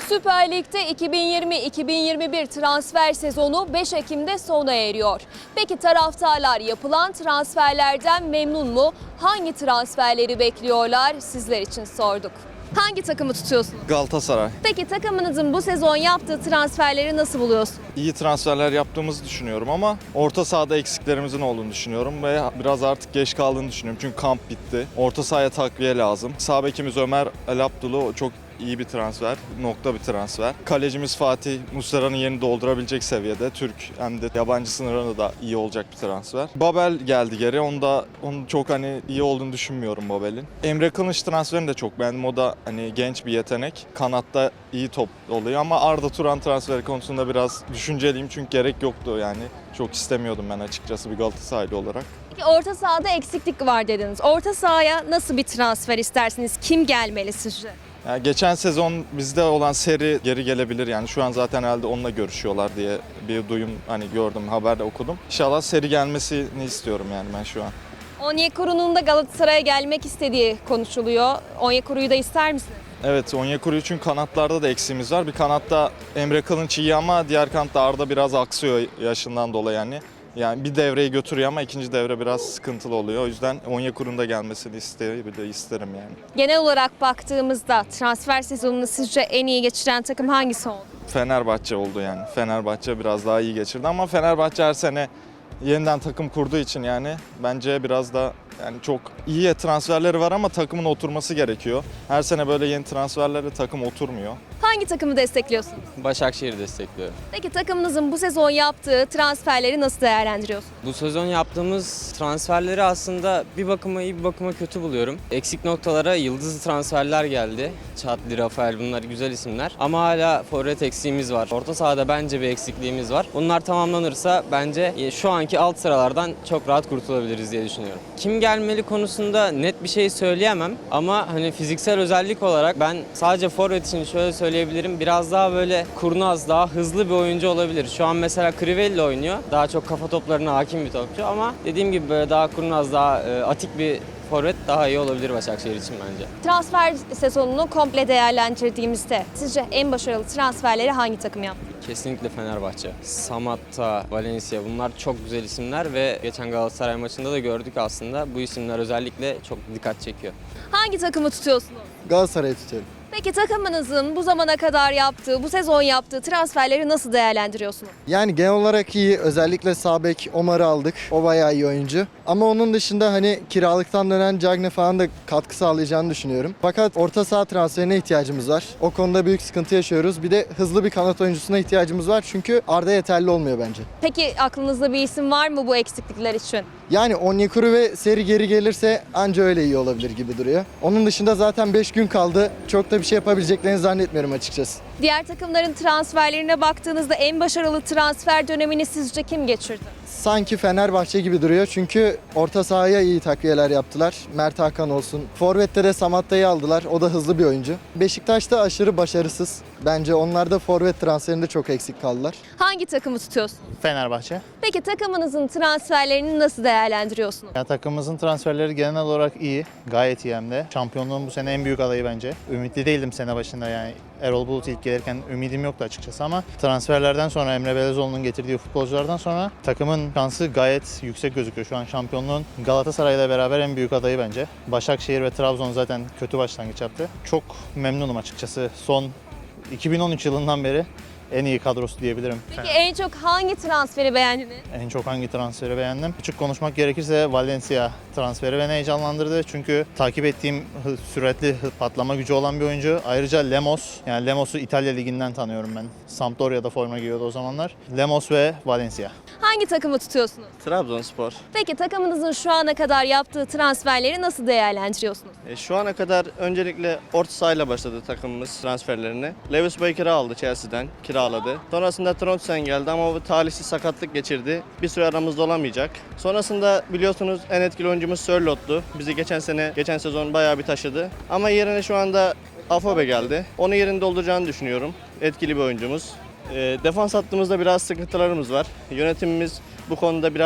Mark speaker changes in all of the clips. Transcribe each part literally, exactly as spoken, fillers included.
Speaker 1: Süper Lig'de iki bin yirmi iki bin yirmi bir transfer sezonu beş Ekim'de sona eriyor. Peki taraftarlar yapılan transferlerden memnun mu? Hangi transferleri bekliyorlar? Sizler için sorduk. Hangi takımı tutuyorsunuz?
Speaker 2: Galatasaray.
Speaker 1: Peki takımınızın bu sezon yaptığı transferleri nasıl buluyorsunuz?
Speaker 2: İyi transferler yaptığımızı düşünüyorum ama orta sahada eksiklerimizin olduğunu düşünüyorum ve biraz artık geç kaldığını düşünüyorum. Çünkü kamp bitti. Orta sahaya takviye lazım. Sağ bekimiz Ömer El Abdulu çok iyi bir transfer, nokta bir transfer. Kalecimiz Fatih Muslera'nın yerini doldurabilecek seviyede. Türk hem de yabancı sınırında da iyi olacak bir transfer. Babel geldi geri. Onu da onun çok hani iyi olduğunu düşünmüyorum Babel'in. Emre Kılınç transferini de çok beğendim. O da hani genç bir yetenek. Kanatta iyi top oluyor ama Arda Turan transferi konusunda biraz düşünceliyim çünkü gerek yoktu yani. Çok istemiyordum ben açıkçası bir Galatasaraylı olarak.
Speaker 1: Peki orta sahada eksiklik var dediniz. Orta sahaya nasıl bir transfer istersiniz? Kim gelmeli sizce?
Speaker 2: Yani geçen sezon bizde olan seri geri gelebilir yani şu an zaten herhalde onunla görüşüyorlar diye bir duyum hani gördüm, haberde okudum. İnşallah seri gelmesini istiyorum yani ben şu an.
Speaker 1: Onyekuru'nun da Galatasaray'a gelmek istediği konuşuluyor. Onyekuru'yu da ister misiniz?
Speaker 2: Evet, Onyekuru için kanatlarda da eksiğimiz var. Bir kanatta Emre Kılınç iyi ama diğer kanatta Arda biraz aksıyor yaşından dolayı yani. Yani bir devreyi götürüyor ama ikinci devre biraz sıkıntılı oluyor. O yüzden Onyekuru'nun da gelmesini isterim, isterim yani.
Speaker 1: Genel olarak baktığımızda transfer sezonunu sizce en iyi geçiren takım hangisi oldu?
Speaker 2: Fenerbahçe oldu yani. Fenerbahçe biraz daha iyi geçirdi ama Fenerbahçe her sene yeniden takım kurduğu için yani bence biraz da yani çok iyi transferleri var ama takımın oturması gerekiyor. Her sene böyle yeni transferlerle takım oturmuyor.
Speaker 1: Hangi takımı destekliyorsunuz?
Speaker 3: Başakşehir'i destekliyorum.
Speaker 1: Peki takımınızın bu sezon yaptığı transferleri nasıl değerlendiriyorsunuz?
Speaker 3: Bu sezon yaptığımız transferleri aslında bir bakıma iyi bir bakıma kötü buluyorum. Eksik noktalara yıldızlı transferler geldi. Çatli, Rafael bunlar güzel isimler. Ama hala forvet eksiğimiz var. Orta sahada bence bir eksikliğimiz var. Bunlar tamamlanırsa bence şu anki alt sıralardan çok rahat kurtulabiliriz diye düşünüyorum. Kim gelmeli konusunda net bir şey söyleyemem. Ama hani fiziksel özellik olarak ben sadece forvet için şöyle söyleyebilirim. Biraz daha böyle kurnaz, daha hızlı bir oyuncu olabilir. Şu an mesela Crivelli oynuyor. Daha çok kafa toplarına hakim bir topçu ama dediğim gibi böyle daha kurnaz, daha e, atik bir forvet daha iyi olabilir Başakşehir için bence.
Speaker 1: Transfer sezonunu komple değerlendirdiğimizde sizce en başarılı transferleri hangi takım yaptı?
Speaker 3: Kesinlikle Fenerbahçe. Samatta, Valencia bunlar çok güzel isimler ve geçen Galatasaray maçında da gördük aslında bu isimler özellikle çok dikkat çekiyor.
Speaker 1: Hangi takımı tutuyorsunuz?
Speaker 4: Galatasaray'ı tutuyorum.
Speaker 1: Peki takımınızın bu zamana kadar yaptığı, bu sezon yaptığı transferleri nasıl değerlendiriyorsunuz?
Speaker 4: Yani genel olarak iyi. Özellikle sağ bek Omar'ı aldık. O bayağı iyi oyuncu. Ama onun dışında hani kiralıktan dönen Cagne falan da katkı sağlayacağını düşünüyorum. Fakat orta saha transferine ihtiyacımız var. O konuda büyük sıkıntı yaşıyoruz. Bir de hızlı bir kanat oyuncusuna ihtiyacımız var. Çünkü Arda yeterli olmuyor bence.
Speaker 1: Peki aklınızda bir isim var mı bu eksiklikler için?
Speaker 4: Yani Onyekuru ve Seri geri gelirse anca öyle iyi olabilir gibi duruyor. Onun dışında zaten beş gün kaldı. Çok da bir şey yapabileceklerini zannetmiyorum açıkçası.
Speaker 1: Diğer takımların transferlerine baktığınızda en başarılı transfer dönemini sizce kim geçirdi?
Speaker 4: Sanki Fenerbahçe gibi duruyor çünkü orta sahaya iyi takviyeler yaptılar. Mert Hakan olsun. Forvet'te de Samatta'yı aldılar. O da hızlı bir oyuncu. Beşiktaş'ta aşırı başarısız. Bence onlar da forvet transferinde çok eksik kaldılar.
Speaker 1: Hangi takımı tutuyorsunuz?
Speaker 5: Fenerbahçe.
Speaker 1: Peki takımınızın transferlerini nasıl değerlendiriyorsunuz?
Speaker 5: Ya, takımımızın transferleri genel olarak iyi. Gayet iyi hem de. Şampiyonluğun bu sene en büyük adayı bence. Ümitli değildim sene başında yani. Erol Bulut ilk gelirken ümidim yoktu açıkçası ama transferlerden sonra Emre Belezoğlu'nun getirdiği futbolculardan sonra takımın şansı gayet yüksek gözüküyor. Şu an şampiyonluğun Galatasaray'la beraber en büyük adayı bence. Başakşehir ve Trabzon zaten kötü başlangıç yaptı. Çok memnunum açıkçası. Son iki bin on üç yılından beri en iyi kadrosu diyebilirim.
Speaker 1: Peki en çok hangi transferi beğendiniz?
Speaker 5: En çok hangi transferi beğendim? Açık konuşmak gerekirse Valencia transferi beni heyecanlandırdı. Çünkü takip ettiğim süratli patlama gücü olan bir oyuncu. Ayrıca Lemos, yani Lemos'u İtalya Ligi'nden tanıyorum ben. Sampdoria'da forma giyiyordu o zamanlar. Lemos ve Valencia.
Speaker 1: Hangi takımı tutuyorsunuz?
Speaker 6: Trabzonspor.
Speaker 1: Peki takımınızın şu ana kadar yaptığı transferleri nasıl değerlendiriyorsunuz?
Speaker 6: E, şu ana kadar öncelikle orta sahayla başladı takımımız transferlerini. Lewis Baker'ı aldı Chelsea'den, kiraladı. Sonrasında Trondsen geldi ama bu talihsiz sakatlık geçirdi. Bir süre aramızda olamayacak. Sonrasında biliyorsunuz en etkili oyuncumuz Sörlot'tu. Bizi geçen sene, geçen sezon bayağı bir taşıdı. Ama yerine şu anda Afobe geldi. Onun yerini dolduracağını düşünüyorum. Etkili bir oyuncumuz. E, defans hattımızda biraz sıkıntılarımız var. Yönetimimiz bu konuda biraz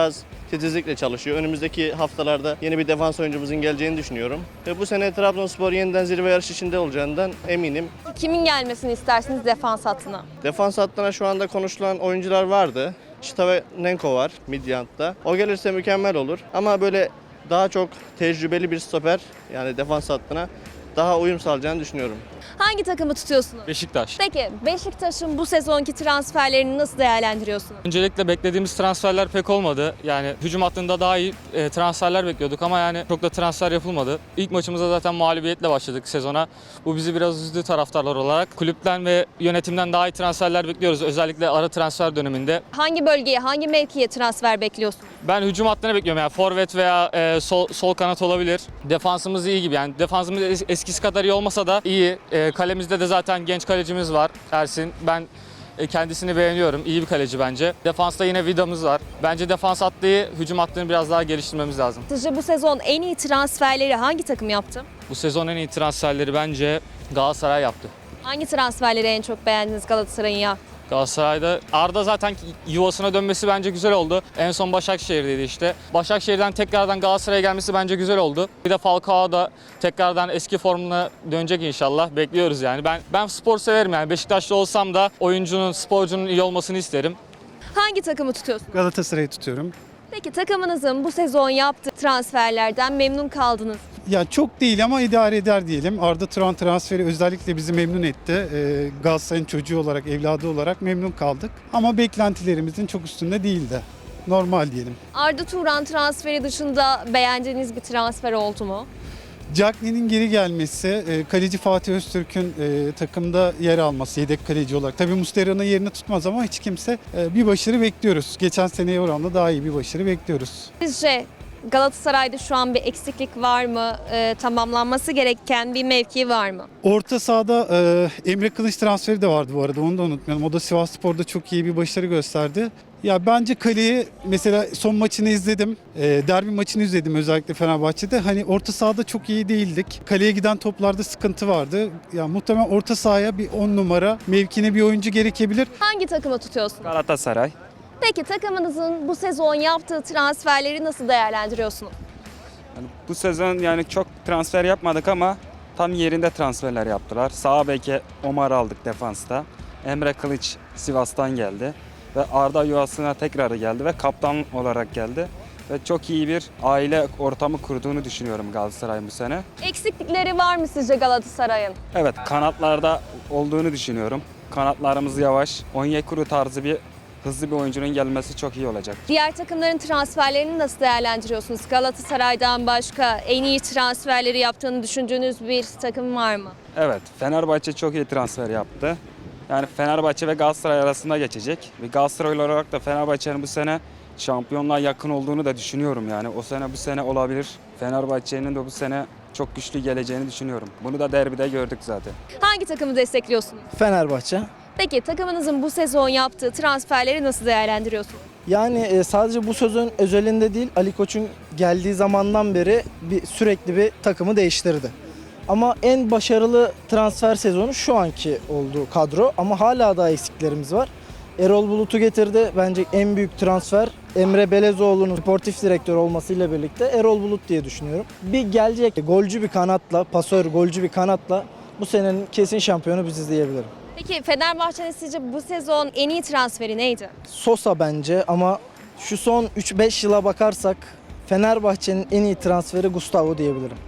Speaker 6: titizlikle çalışıyor. Önümüzdeki haftalarda yeni bir defans oyuncumuzun geleceğini düşünüyorum. Ve bu sene Trabzonspor yeniden zirve yarışı içinde olacağından eminim.
Speaker 1: Kimin gelmesini istersiniz defans hattına?
Speaker 6: Defans hattına şu anda konuşulan oyuncular vardı. Şitavenko var Midyant'ta. O gelirse mükemmel olur. Ama böyle daha çok tecrübeli bir stoper, yani defans hattına daha uyum sağlayacağını düşünüyorum.
Speaker 1: Hangi takımı tutuyorsunuz?
Speaker 7: Beşiktaş.
Speaker 1: Peki Beşiktaş'ın bu sezonki transferlerini nasıl değerlendiriyorsunuz?
Speaker 7: Öncelikle beklediğimiz transferler pek olmadı. Yani hücum hattında daha iyi e, transferler bekliyorduk ama yani çok da transfer yapılmadı. İlk maçımıza zaten mağlubiyetle başladık sezona. Bu bizi biraz üzdü taraftarlar olarak. Kulüpten ve yönetimden daha iyi transferler bekliyoruz. Özellikle ara transfer döneminde.
Speaker 1: Hangi bölgeye, hangi mevkiye transfer bekliyorsunuz?
Speaker 7: Ben hücum hattını bekliyorum. Yani forvet veya e, sol, sol kanat olabilir. Defansımız iyi gibi. Yani defansımız es- eskisi kadar iyi olmasa da iyi. E, kalemizde de zaten genç kalecimiz var Ersin. Ben e, kendisini beğeniyorum. İyi bir kaleci bence. Defansta yine Vida'mız var. Bence defans hattıyı, hücum hattını biraz daha geliştirmemiz lazım.
Speaker 1: Sizce bu sezon en iyi transferleri hangi takım yaptı?
Speaker 7: Bu sezon en iyi transferleri bence Galatasaray yaptı.
Speaker 1: Hangi transferleri en çok beğendiniz Galatasaray'ın ya?
Speaker 7: Galatasaray'da Arda zaten yuvasına dönmesi bence güzel oldu. En son Başakşehir'deydi işte. Başakşehir'den tekrardan Galatasaray'a gelmesi bence güzel oldu. Bir de Falcao da tekrardan eski formuna dönecek inşallah. Bekliyoruz yani. Ben ben spor severim yani. Beşiktaşlı olsam da oyuncunun, sporcunun iyi olmasını isterim.
Speaker 1: Hangi takımı tutuyorsunuz?
Speaker 8: Galatasaray'ı tutuyorum.
Speaker 1: Peki takımınızın bu sezon yaptığı transferlerden memnun kaldınız.
Speaker 8: Ya çok değil ama idare eder diyelim. Arda Turan transferi özellikle bizi memnun etti. Ee, Galatasaray'ın çocuğu olarak, evladı olarak memnun kaldık. Ama beklentilerimizin çok üstünde değildi. Normal diyelim.
Speaker 1: Arda Turan transferi dışında beğendiğiniz bir transfer oldu mu?
Speaker 8: Cagney'in geri gelmesi, e, kaleci Fatih Öztürk'ün e, takımda yer alması yedek kaleci olarak. Tabii Muslera'nın yerini tutmaz ama hiç kimse e, bir başarı bekliyoruz. Geçen seneye oranla daha iyi bir başarı bekliyoruz.
Speaker 1: Sizce Galatasaray'da şu an bir eksiklik var mı? Ee, tamamlanması gereken bir mevki var mı?
Speaker 8: Orta sahada e, Emre Kılıç transferi de vardı bu arada, onu da unutmayalım. O da Sivasspor'da çok iyi bir başarı gösterdi. Ya bence kaleyi mesela son maçını izledim. E, derbi maçını izledim özellikle Fenerbahçe'de. Hani orta sahada çok iyi değildik. Kaleye giden toplarda sıkıntı vardı. Ya muhtemelen orta sahaya bir on numara mevkine bir oyuncu gerekebilir.
Speaker 1: Hangi takımı tutuyorsunuz?
Speaker 9: Galatasaray.
Speaker 1: Peki takımınızın bu sezon yaptığı transferleri nasıl değerlendiriyorsunuz?
Speaker 9: Yani bu sezon yani çok transfer yapmadık ama tam yerinde transferler yaptılar. Sağ beke Omar aldık defansta. Emre Kılıç Sivas'tan geldi. Ve Arda yuvasına tekrar geldi ve kaptan olarak geldi. Ve çok iyi bir aile ortamı kurduğunu düşünüyorum Galatasaray'ın bu sene.
Speaker 1: Eksiklikleri var mı sizce Galatasaray'ın?
Speaker 9: Evet, kanatlarda olduğunu düşünüyorum. Kanatlarımız yavaş. Onyekuru tarzı bir hızlı bir oyuncunun gelmesi çok iyi olacak.
Speaker 1: Diğer takımların transferlerini nasıl değerlendiriyorsunuz? Galatasaray'dan başka en iyi transferleri yaptığını düşündüğünüz bir takım var mı?
Speaker 9: Evet, Fenerbahçe çok iyi transfer yaptı. Yani Fenerbahçe ve Galatasaray arasında geçecek. Ve Galatasaray olarak da Fenerbahçe'nin bu sene şampiyonluğa yakın olduğunu da düşünüyorum. Yani o sene bu sene olabilir. Fenerbahçe'nin de bu sene çok güçlü geleceğini düşünüyorum. Bunu da derbide gördük zaten.
Speaker 1: Hangi takımı destekliyorsunuz?
Speaker 10: Fenerbahçe.
Speaker 1: Peki takımınızın bu sezon yaptığı transferleri nasıl değerlendiriyorsunuz?
Speaker 10: Yani e, sadece bu sözün özelinde değil, Ali Koç'un geldiği zamandan beri bir sürekli bir takımı değiştirdi. Ama en başarılı transfer sezonu şu anki olduğu kadro ama hala daha eksiklerimiz var. Erol Bulut'u getirdi. Bence en büyük transfer Emre Belezoğlu'nun sportif direktör olmasıyla birlikte Erol Bulut diye düşünüyorum. Bir gelecek golcü bir kanatla, pasör golcü bir kanatla bu senenin kesin şampiyonu biziz diyebilirim.
Speaker 1: Peki Fenerbahçe'nin sizce bu sezon en iyi transferi neydi?
Speaker 10: Sosa bence ama şu son üç beş yıla bakarsak Fenerbahçe'nin en iyi transferi Gustavo diyebilirim.